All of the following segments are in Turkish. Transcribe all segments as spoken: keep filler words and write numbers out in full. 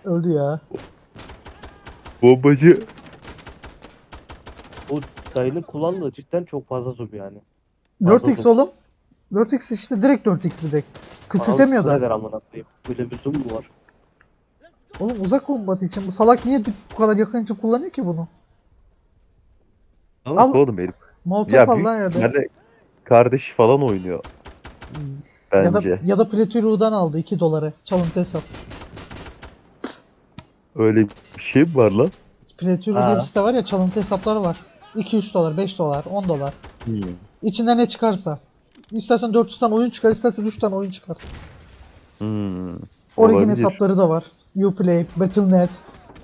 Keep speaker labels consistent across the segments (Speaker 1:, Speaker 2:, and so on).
Speaker 1: Öldü ya.
Speaker 2: Bombacı.
Speaker 3: O dayının kullandığı cidden çok fazla zoom yani.
Speaker 1: dört
Speaker 3: Fazla
Speaker 1: x
Speaker 3: zoom.
Speaker 1: oğlum. dört x işte direkt dört x bir de. Küçültemiyor
Speaker 3: Anasını
Speaker 1: da.
Speaker 3: eder amına koyayım. Böyle bir zoom mu var?
Speaker 1: Oğlum uzak kombatı için bu salak niye dip bu kadar yakın için kullanıyor ki bunu?
Speaker 2: Salak
Speaker 1: Al
Speaker 2: oğlum herif.
Speaker 1: Molotov
Speaker 2: Ya
Speaker 1: al
Speaker 2: büyük
Speaker 1: lan yerde.
Speaker 2: ihtimalle kardeşi falan oynuyor
Speaker 1: Ya da
Speaker 2: bence.
Speaker 1: ya da Preturu'dan aldı iki doları. Çalıntı hesap.
Speaker 2: Öyle bir şey mi var lan?
Speaker 1: Preturu diye bir
Speaker 3: Ha.
Speaker 1: site var ya, çalıntı hesapları var. iki üç dolar, beş dolar, on dolar.
Speaker 2: Hmm.
Speaker 1: İçinden ne çıkarsa. İstersen dört yüz tane oyun çıkar, istersen üç tane oyun çıkar.
Speaker 2: Hmm.
Speaker 1: Origin
Speaker 2: Olabilir.
Speaker 1: hesapları da var. Uplay, battle nokta net.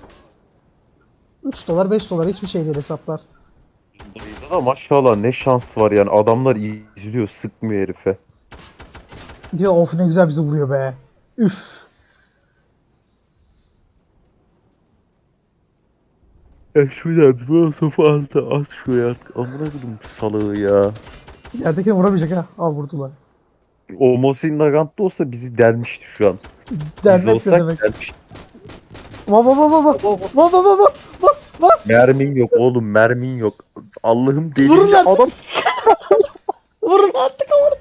Speaker 1: üç dolar, beş dolar hiçbir şey değil hesaplar.
Speaker 2: Dayıda da maşallah ne şans var yani. Adamlar izliyor, sıkmıyor herife.
Speaker 1: Diyor of ne güzel bizi vuruyor be. Üf.
Speaker 2: Ya şuradan bir sofa altı at şuraya artık. Amına koydum salağı ya.
Speaker 1: Yerdekini vuramayacak ha. Aa vurdular.
Speaker 2: O Mosin Nagant'ta olsa bizi delmişti şu an. Biz
Speaker 1: Dernek ne
Speaker 2: olsak
Speaker 1: demek?
Speaker 2: delmişti.
Speaker 1: Va va va va va.
Speaker 3: Baba,
Speaker 1: Va va va va. Va va.
Speaker 2: Mermin yok oğlum, mermin yok. Allah'ım
Speaker 1: Vurun
Speaker 2: delince
Speaker 1: artık.
Speaker 2: adam.
Speaker 1: Vurun artık ama.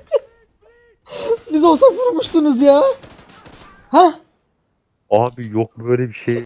Speaker 1: Biz olsak vurmuştunuz ya. Ha?
Speaker 2: Abi yok böyle bir şey.